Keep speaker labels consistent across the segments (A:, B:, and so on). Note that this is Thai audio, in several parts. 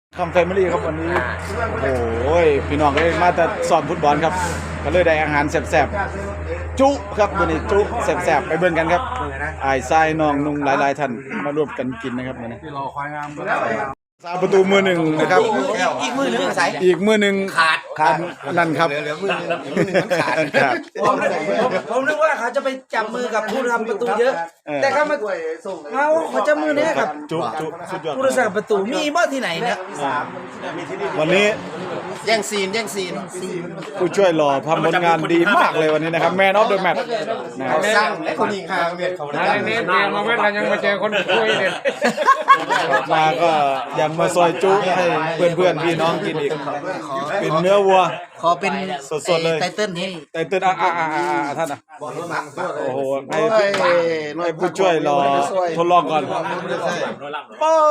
A: คำแฟมิลี่ครับวันนี้โอ้โหพี่น้องก็มาแต่ซ้อมฟุตบอลครับก็เลยได้อาหารแซ่บๆจุครับวันนี้จุแซ่บๆไปเบิ่งกันครับไอ้ทรายน้องนุ่งหลายๆท่านมาร่วมกันกินนะครับวันนี้ซาประตูมือหนึ่งนะครับ
B: อีกมือหนึ่งใส่
A: อีกมือหนึ่งขาดนั่นครับครับ
B: ผมนึกว่าเขาจะไปจับมือกับผู้ทำประตูเยอะ แต่เขามาเขาจับมือเนี้ยกับ
A: จุสุดยอด
B: ผู้รักษาประตูมีบ่ที่ไหนเนี่ย
A: วันนี้
B: แย่งซีน
A: ผู้ช่วยหล่อทำผลงานดีมากเลยวันนี้นะครับแมนออฟเดอะแมตช์นะครับ
B: สร้างไอ้คนยิงคางเวียดเขาได้
C: เน็ตมาเว้นกันยังมาเจอคนคุยเนี่ย
A: มาก็ยังมาซอยจุให้เพื่อนๆพี่น้องกินอีกเป็นเนื้อวัว
B: ขอเป็น
A: สดๆเลย
B: ไตเติ้ลให้
A: ไตเติ้ลท่านโอ้โหให้ผู้ช่วยรอทดลองก่อนโอ้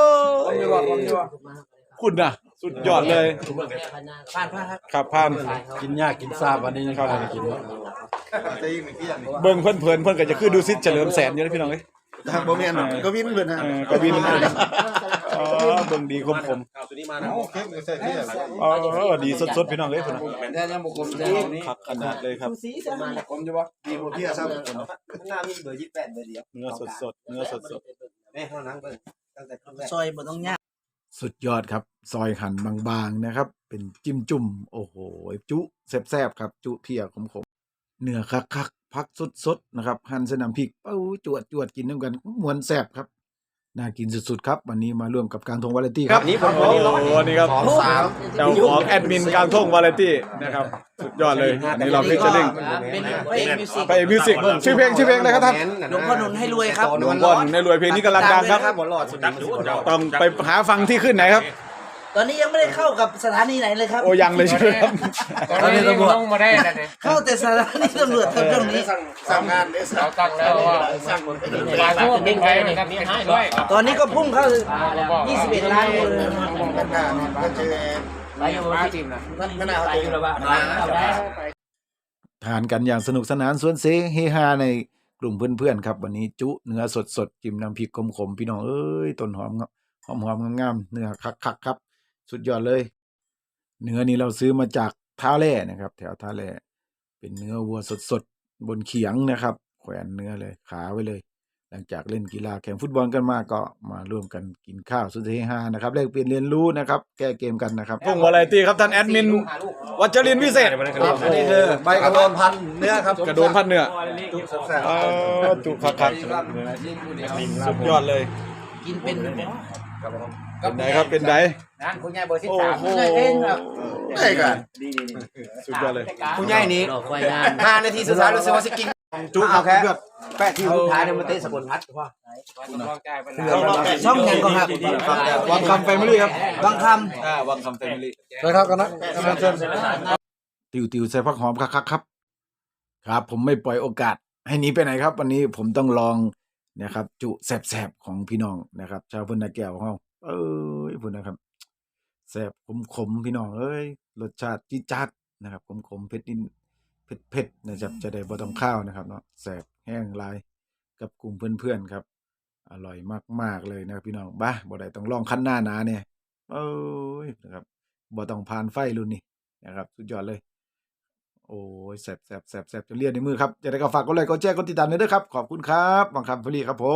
A: คุณน่ะสุดยอดเลย
B: ผ่าน
A: ครับผ่าน
D: กินยากกินซาบวันนี้ยังเข้าไปกิน
A: เบิ่งเพิ่นเพิ่นก็จะคือดูซิเฉลิมแสนอยู่นะพี่น้องเอ้ย
D: บ่แม่นก็วินเพิ่นฮะ
A: กวินอ๋อเบิ่งดีคมอ๋อดีสดๆพี่น้องเอ้ยพุ่นน่ะ
D: แต่ยังบ่คมแต่นี้
A: คักขนาดเลยครับ
D: คมอยู่บ่ดีบ่เพียซ้ำ
B: หน้ามีเบอร์28เบอร์เดียว
A: เนื้อสดเนื้อสด
B: แม่เท่านั้นเบิ่งตั้งแต่ซอยบ่ต้องยาก
A: สุดยอดครับซอยหั่นบางๆนะครับเป็นจิ้มจุ่มโอ้โหจุแซ่บๆครับจุเพียขมๆเนื้อคักๆผักสดๆนะครับหั่นใส่น้ำพริกเป้าจวดกินด้วยกันม่วนแซ่บครับน่ากินสุดๆครับวันนี้มาร่วมกับกลางทงวาไรตี้ครับนี่ผมวันนี้ครับเจ้าของแอดมินกลางทงวาไรตี้นะครับสุดยอดเลยอันนี้เราพิจารณา
B: เป็นพระเอกมิวสิก
A: ไปมิวสิกชื่อเพลงอะไรครับท่าน
B: หลวงพ่อหนุนให้รวยครับ
A: หลวงพ่อในรวยเพลงนี้กำลังดังครับต้องไปหาฟังที่ขึ้นไหนครับ
B: ตอนนี้ยังไม่ได้เข้ากับสถานีไหนเลยครับ
A: โอ้ยังเลยใช่ไหมครับ
C: ตอนนี้ตำรวจต้องมาได้แล้วเนี่ย
B: เข้าแต่สถานีตำรวจตรงนี้
D: สั่งงานเด้
C: เราตั้งแล้วว่าหลายพวกดิ้งไปนะครับมีให้ด้วย
B: ตอนนี้ก็พุ่งเข้า21 ล้านเลย
D: ก็เจอ
C: ไปอยู่ที่ทีมนะ
D: ไม่น่าเอาตัวละว่า
A: ทานกันอย่างสนุกสนานสวนเสเฮฮาในกลุ่มเพื่อนๆครับวันนี้จุเนื้อสดๆจิ้มน้ำพริกขมๆพี่น้องเอ้ยต้นหอมงามๆเนื้อคักๆครับสุดยอดเลยเนื้อนี้เราซื้อมาจากท่าแร่นะครับแถวท่าแร่เป็นเนื้อวัวสดๆบนเขียงนะครับแขวนเนื้อเลยขาไว้เลยหลังจากเล่นกีฬาแข่งฟุตบอลกันมาก็มาร่วมกันกินข้าวสุดเฮฮานะครับแลกเปลี่ยนเรียนรู้นะครับแก้เกมกันนะครับพงวาไรตี้ครับท่านแอดมินวัชรินทร์วิเศษ
D: อันนี้คือใบกระโดนพันเนื้อครับ
A: กระโดนพันเนื้อจุคักสุดยอดเลย
B: กินเป็น
A: เป็นไหนครับเป็นไหน
C: นั่นคุณยายเบอร์13
A: โอ้โห
D: ได้กัน
A: สุดยอดเลย
D: ผู้ใหญ่นี้5นาทีสุดท้ายรู้สึกว่าสิกินจุเอาแค่แปะที่สุดท้ายเนี่ยมาเตะสกลพัดว่า
B: ช่องยังก็ครับ
A: วังคำแฟมิลี่ครับ
B: บางค
A: วังคำแฟมิลี่
D: เลยครับกันนะ
A: ติวใส่ผักหอมคักครับครับผมไม่ปล่อยโอกาสให้หนีไปไหนครับ วันนี้ผมต้องลองนะครับจุแสบๆของพี่น้องนะครับชาวพุ่นนาแก้วของเราพุ่นนะครับแสบขมพี่น้องเอ้ยรสชาติจี๊ดจ๊าดนะครับขมเผ็ดนิดเผ็ดนะครับจะได้บ่ต้องข้าวนะครับเนาะแสบแห้งลายกับกลุ่มเพื่อนๆครับอร่อยมากๆเลยนะครับพี่น้องบ้าบ่ได้ต้องลองคั้นหน้าหนาเนี่ยนะครับบ่ต้องผ่านไฟรุ่นนี้นะครับสุดยอดเลยโอ้ยแสบจนเลียนในมือครับจะได้ก็ฝากกดไลค์กดแชร์กดติดตามด้วยครับขอบคุณครับบางคำฟรีครับผม